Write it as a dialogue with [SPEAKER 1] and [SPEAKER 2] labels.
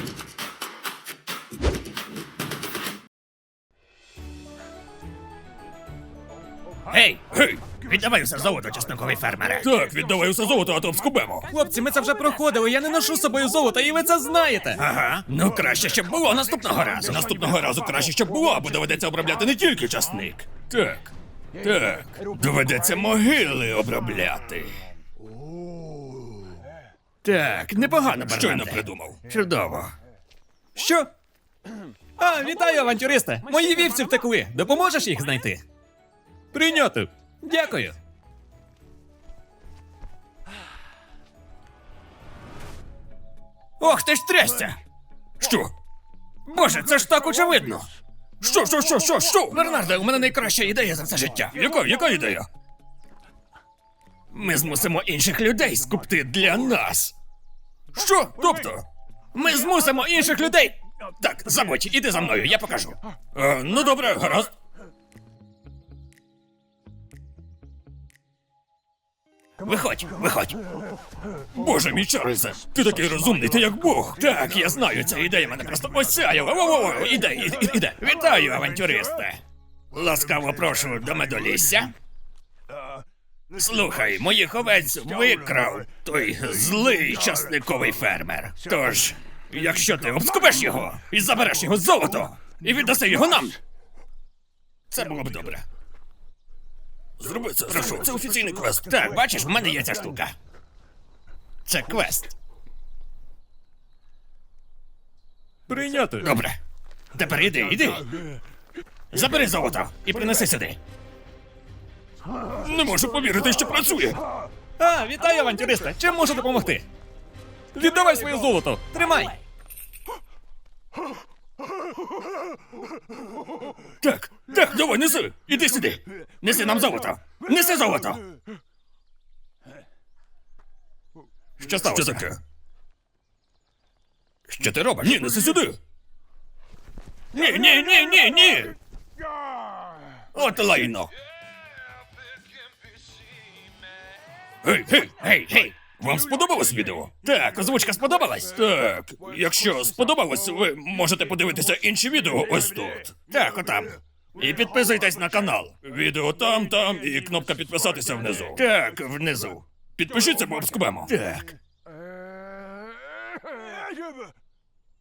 [SPEAKER 1] Гей! Гей! Віддавай усе золото, чесноковий фермере.
[SPEAKER 2] Так, віддавай усе золото, а то вскубемо.
[SPEAKER 3] Хлопці, ми це вже проходили, я не ношу з собою золота, і ви це знаєте.
[SPEAKER 1] Ага. Ну краще, щоб було наступного разу.
[SPEAKER 2] Наступного разу краще, щоб було, бо доведеться обробляти не тільки часник. Так, так. Доведеться могили обробляти.
[SPEAKER 1] Так, непогано, Бернарде.
[SPEAKER 2] Щойно придумав.
[SPEAKER 1] Чудово.
[SPEAKER 3] Що? А, вітаю, авантюристи! Мої вівці втекли. Допоможеш їх знайти? Прийняти. Дякую.
[SPEAKER 1] Ох, ти ж трясся!
[SPEAKER 2] Що?
[SPEAKER 1] Боже, це ж так очевидно!
[SPEAKER 2] Що?
[SPEAKER 1] Бернарде, у мене найкраща ідея за це життя.
[SPEAKER 2] Яка ідея?
[SPEAKER 1] Ми змусимо інших людей скупти для нас.
[SPEAKER 2] Що? Тобто?
[SPEAKER 1] Ми змусимо інших людей. Так, забудь, іди за мною, я покажу.
[SPEAKER 2] Ну добре, гаразд.
[SPEAKER 1] Виходь, виходь.
[SPEAKER 2] Боже мій Чарльзе, ти такий розумний, ти як Бог.
[SPEAKER 1] Так, я знаю, ця ідея мене просто осяяла. Во-во-во, іде. Вітаю, авантюристе. Ласкаво прошу до медолісся. Слухай, моїх овець викрав той злий часниковий фермер. Тож, якщо ти обскубеш його і забереш його золото, і віддаси його нам, це було б добре.
[SPEAKER 2] Зроби це,
[SPEAKER 1] Прошу.
[SPEAKER 2] це офіційний квест.
[SPEAKER 1] Так, бачиш, в мене є ця штука. Це квест.
[SPEAKER 3] Прийняти.
[SPEAKER 1] Добре. Тепер іди. Забери золото і принеси сюди.
[SPEAKER 2] Не можу повірити, що працює.
[SPEAKER 3] А, вітаю, авантюристи! Чим можу допомогти? Віддавай своє золото! Тримай!
[SPEAKER 1] Так, давай, неси. Іди сюди. Неси нам золото. Неси золото. Що сталося?
[SPEAKER 2] Що таке?
[SPEAKER 1] Що ти робиш?
[SPEAKER 2] Ні, неси сюди.
[SPEAKER 1] Ні. От лайно. Гей.
[SPEAKER 2] Вам сподобалось відео?
[SPEAKER 1] Так, озвучка сподобалась?
[SPEAKER 2] Так, якщо сподобалось, ви можете подивитися інші відео ось тут.
[SPEAKER 1] Так, отам. І підписуйтесь на канал.
[SPEAKER 2] Відео там і кнопка підписатися внизу.
[SPEAKER 1] Так, внизу.
[SPEAKER 2] Підпишіться, бо обскубемо.
[SPEAKER 1] Так.